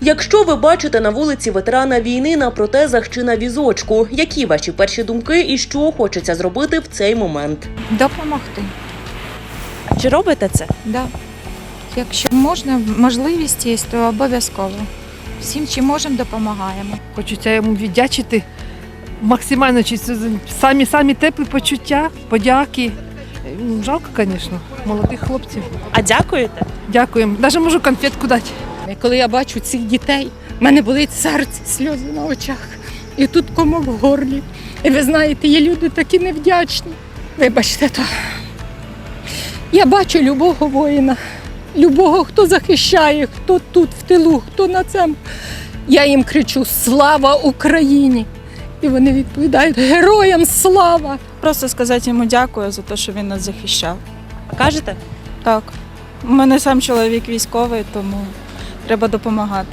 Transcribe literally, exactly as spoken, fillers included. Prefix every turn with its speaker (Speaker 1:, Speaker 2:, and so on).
Speaker 1: Якщо ви бачите на вулиці ветерана війни на протезах чи на візочку, які ваші перші думки і що хочеться зробити в цей момент?
Speaker 2: Допомогти.
Speaker 3: Чи робите це?
Speaker 2: Да. Якщо можна, можливість є, то обов'язково. Всім, чим можемо, допомагаємо.
Speaker 4: Хочеться йому віддячити максимально, чи це самі-самі теплі почуття, подяки. Ну, жалко, звісно, молодих хлопців.
Speaker 3: А дякуєте?
Speaker 4: Дякуємо. Навіть можу конфетку дати.
Speaker 5: І коли я бачу цих дітей, в мене болить серце, сльози на очах. І тут комок в горлі. І ви знаєте, є люди такі невдячні. Вибачте, то я бачу любого воїна, любого, хто захищає, хто тут в тилу, хто на цьому. Я їм кричу «Слава Україні!» І вони відповідають «Героям слава!»
Speaker 6: Просто сказати йому дякую за те, що він нас захищав.
Speaker 3: А кажете?
Speaker 6: Так, у мене сам чоловік військовий, тому треба допомагати.